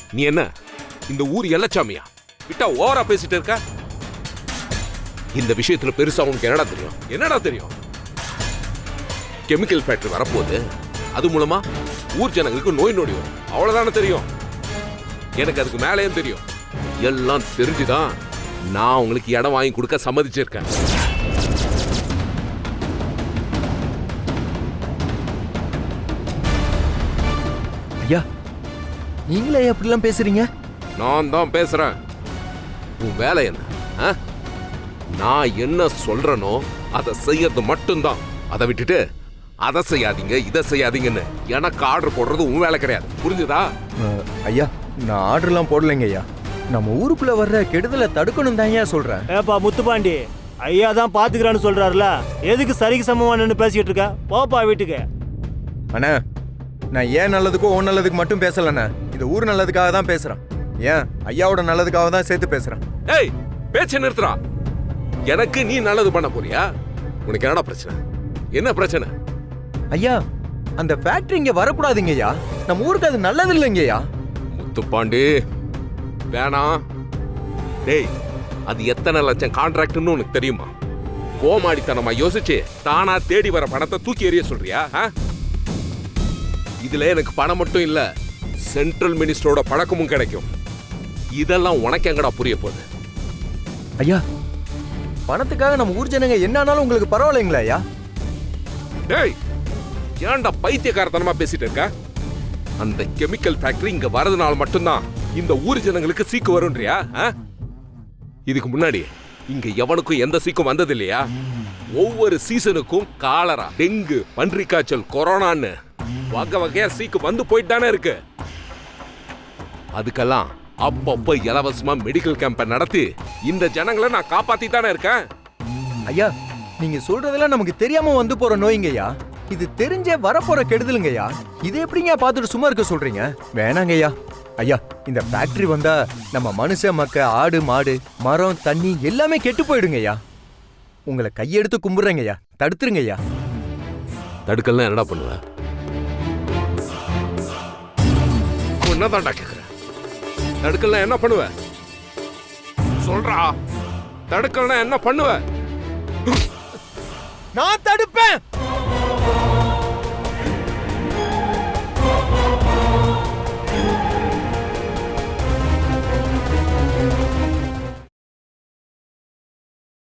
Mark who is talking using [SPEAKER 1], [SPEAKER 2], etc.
[SPEAKER 1] நீ என்ன இந்த ஊர் எல்லச்சாமியா? விட்டா ஓவரா பேசிட்டு இருக்க. இந்த விஷயத்துல பெருசா உனக்கு என்னடா தெரியும்? என்னடா தெரியும்? கெமிக்கல் ஃபேக்டரி வரப்போகுது, அது மூலமா ஊர் ஜனங்களுக்கு நோய் நொடி வரும், அவ்வளவுதானே தெரியும். எனக்கு அதுக்கு மேலேயும் தெரியும். எல்லாம் தெரிஞ்சுதான் நான் உங்களுக்கு இடம் வாங்கி கொடுக்க சம்மதிச்சிருக்கேன்.
[SPEAKER 2] ஐயா, நீங்களே எப்படிலாம் பேசுறீங்க?
[SPEAKER 1] நான் தான் பேசுறேன். உன் வேலை என்ன? நான் என்ன சொல்றேனோ அதை செய்யறது மட்டும்தான். அதை விட்டுட்டு அதை செய்யாதீங்க இதை செய்யாதீங்கன்னு எனக்கு ஆர்டர் போடுறது உன் வேலை கிடையாது. புரிஞ்சுதா?
[SPEAKER 2] ஐயா, நான் ஆர்டர்லாம் போடலைங்க ஐயா. நம்ம ஊருக்குள்ள வர்ற கெடுதலை தடுக்கணும் தான் ஐயா சொல்றேன்.
[SPEAKER 3] ஏப்பா முத்துப்பாண்டி, ஐயா தான் பாத்துக்கிறான்னு சொல்றாருல, எதுக்கு சரிக்கு சமமானு பேசிட்டு இருக்க? போப்பா வீட்டுக்கு.
[SPEAKER 2] அண்ணா, நான் ஏன் நல்லதுக்கோ உன் நல்லதுக்கு மட்டும் பேசலண்ணா, இந்த ஊர் நல்லதுக்காக தான் பேசுறேன். ஏன் ஐயாவோட நல்லதுக்காக தான் சேர்த்து பேசுறேன்.
[SPEAKER 1] ஏய், பேச்ச நிறுத்துறா. எனக்கு நீ நல்லது பண்ண போறியா? உனக்கு என்னடா பிரச்சனை? என்ன பிரச்சனை?
[SPEAKER 2] ஐயா, அந்த ஃபேக்டரி இங்க வரக்கூடாதுங்க ஐயா. நம்ம ஊருக்கு அது நல்லது இல்லைங்க ஐயா.
[SPEAKER 1] முத்துப்பாண்டி வேணாம். டேய், அது எத்தனை லட்சம் கான்ட்ராக்ட்னு உனக்கு தெரியுமா? கோமாடித்தனமா யோசிச்சு தானா தேடி வர பணத்தை தூக்கி எறிய சொல்றியா? இதுல எனக்கு பணம் மட்டும் இல்ல, சென்ட்ரல் மினிஸ்டரோட பழக்கமும் கிடைக்கும். இதெல்லாம் உனக்கு எங்கடா புரிய போகுது?
[SPEAKER 2] ஐயா, பணத்துக்காக நம்ம ஊர் ஜனங்க என்ன ஆனாலும் உங்களுக்கு பரவாயில்லைங்களா ஐயா?
[SPEAKER 1] டேய், ஏன்டா பைத்தியக்காரத்தனமா பேசிட்டு இருக்க? அந்த கெமிக்கல் ஃபேக்டரி இங்க வரதுனால மட்டும்தான் இந்த ஊர் ஜனங்களுக்கு சீக்கு வரும்ன்றியா? இதுக்கு முன்னாடி இங்க எவனுக்கும் எந்த சீக்கும் வந்தது இல்லையா? ஒவ்வொரு சீசனுக்கும் காலரா, டெங்கு, பன்றி காய்ச்சல், கொரோனான்னு வகை வகையா சீக்கு வந்து போயிட்டு தானே இருக்கு. அதுக்கெல்லாம் அப்பப்போ இலவசமா மெடிக்கல் கேம்ப நடத்தி இந்த ஜனங்களை நான் காப்பாத்தி தானே இருக்கேன்.
[SPEAKER 2] ஐயா, நீங்க சொல்றதெல்லாம் நமக்கு தெரியாம வந்து போற நோய்ங்க ஐயா. இது தெரிஞ்சே வரப்போற கெடுதலுங்க ஐயா. இது எப்படிங்க பார்த்துட்டு சும்மா இருக்க சொல்றீங்க? வேணாங்க ஐயா. ஐயா, இந்த ஃபேக்டரி வந்தா நம்ம மனுஷ மக்க, ஆடு மாடு, மரம், தண்ணி எல்லாமே கெட்டு போயிடுங்க ஐயா. உங்களை கையெடுத்து கும்பிடுறேங்க ஐயா, தடுத்துருங்க ஐயா.
[SPEAKER 1] தடுக்கலாம் என்னடா பண்ணுவ? என்னதான்டா கேக்குற? தடுக்கலாம் என்ன பண்ணுவ? சொல்றா, தடுக்கலாம் என்ன பண்ணுவ?
[SPEAKER 2] நான் தடுப்பேன்.